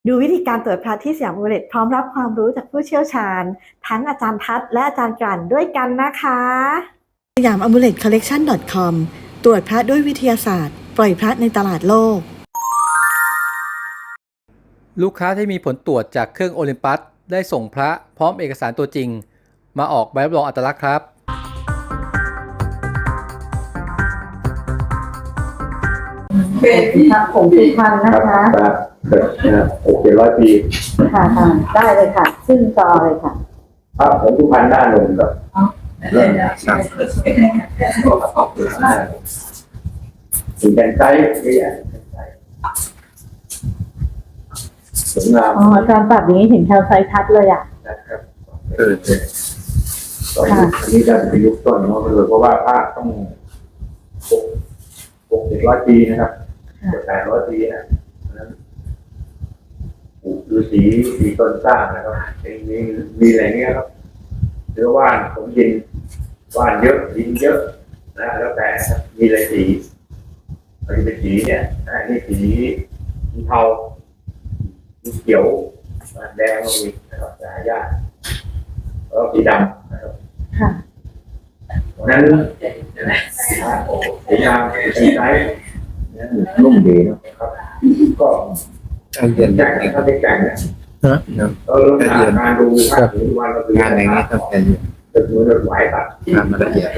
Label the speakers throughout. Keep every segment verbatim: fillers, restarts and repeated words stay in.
Speaker 1: ดูวิธีการตรวจพระที่สยามอุเรตพร้อมรับความรู้จากผู้เชี่ยวชาญทั้งอาจารย์ทัศน์และอาจารย์กลั่นด้วยกันนะคะสยามอ m มูเลตคอลเลกชัน .com ตรวจพระด้วยวิทยาศาสตร์ปล่อยพระในตลาดโลก
Speaker 2: ลูกค้าที่มีผลตรวจจากเครื่องโอลิมปัสได้ส่งพระพร้อมเอกสารตัวจริงมาออกใบรับรองอัตลักษณ์ครับ
Speaker 1: เป็นพระผงสุพรรณนะคะ
Speaker 3: ครับหกเจ็ดร้อยปี
Speaker 1: ค่ะค่ะได้เลยค่ะขึ้นจอเลยค่ะ
Speaker 3: พระผงสุพรรณด้านลงกับเริ่มครับถึงแกนไซส์นี่อ่ะสวยงาม
Speaker 1: อ๋ออาจารย์ปรับอย่างนี้เห็นแถวไซส์ทัดเลยอ่ะ
Speaker 3: นะครับเออตอนนี้จะเป็นยุคต้นเนาะเลยเพราะว่าพระต้องหกเจ็ดร้อยปีนะครับแปดร้อยปีนะนั้นฤาษีสีต้นสร้างนะครับมีมีอะไรเนี้ยครับหรือว่านผมยินว่านเยอะยินเยอะนะแล้วแต่มีอะไรสีมันเป็นสีเนี่ยนี่สีสีเทาสีเขียวแดงก็มีนะครับหายากแล้วสีดำนะครับ
Speaker 1: ค่ะ
Speaker 3: นั้นสีดำสีไซส์นุ่มดีนะครับก็
Speaker 4: การเรียน
Speaker 3: แจกเขาได้แจกเนี่ยเราเริ่มการดูครับวันเราดู
Speaker 4: งานในนี้ต้องเป็น
Speaker 3: ตึกมือเราไหวตัด
Speaker 4: งานละเอียด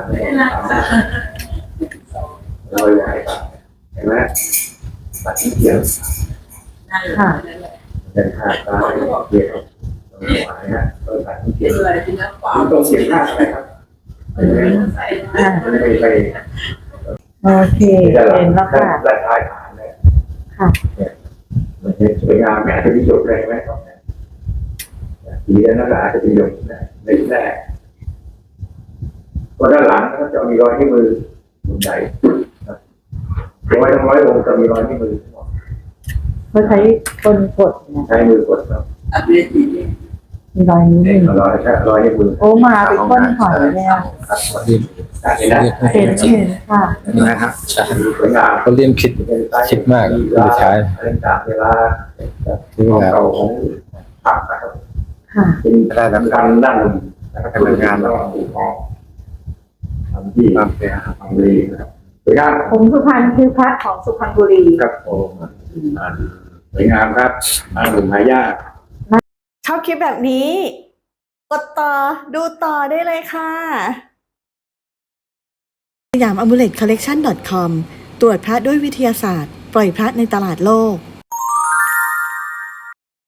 Speaker 3: เราไหวตัดเห็นไหมตัดที่เขียน
Speaker 1: ค่ะ
Speaker 3: เป็นขาดตาเขียนไหวฮะเราตัดที่เขียนต้องเขียนหน้าอะไรครับไม่ไปไป
Speaker 1: โอเคเห็นแล้วค่ะ
Speaker 3: และท้ายฐานเลย
Speaker 1: ค่ะ
Speaker 3: มันจะสวยงามอาจจะมีหยดเลยไหมครับสีนั้นอาจจะมีหยดนะในแรกพอด้านหลังก็จะมีรอยที่มือหุ่นใหญ่ร้อยทั้งร้อยองค์จะมีรอยที่มือ
Speaker 1: เขาใช้คนกด
Speaker 3: ใช้มือกดครับ
Speaker 1: มีรอยนิ้วมือ
Speaker 3: รอยใช้รอยที่มือ
Speaker 1: โอ้มาเป็นก้นหอยเลยอ่ะ
Speaker 3: เห็นไหม
Speaker 1: เห็นเห็นค่ะ
Speaker 4: นะครับ
Speaker 3: สวยงาม
Speaker 4: เขาเรียนคิดคิดมากเลยใช้
Speaker 3: เล่นจากเวลาที่เราของผักนะครับเป็นการด้านลมนะครับเป็นงานแล้วก็ถูกต้องทำที่ทำเป็นทำดีนะครับสวยงาม
Speaker 1: ผงสุพรรณคือพระของสุพรรณบุรี
Speaker 3: ครับผมสวยงามครับมาหนุ่มหายาก
Speaker 1: ชอบคลิปแบบนี้กดต่อดูต่อได้เลยค่ะสยามอ m มูเลตคอลเลกชัน .com ตรวจพระด้วยวิทยาศาสตร์ปล่อยพระในตลาดโลก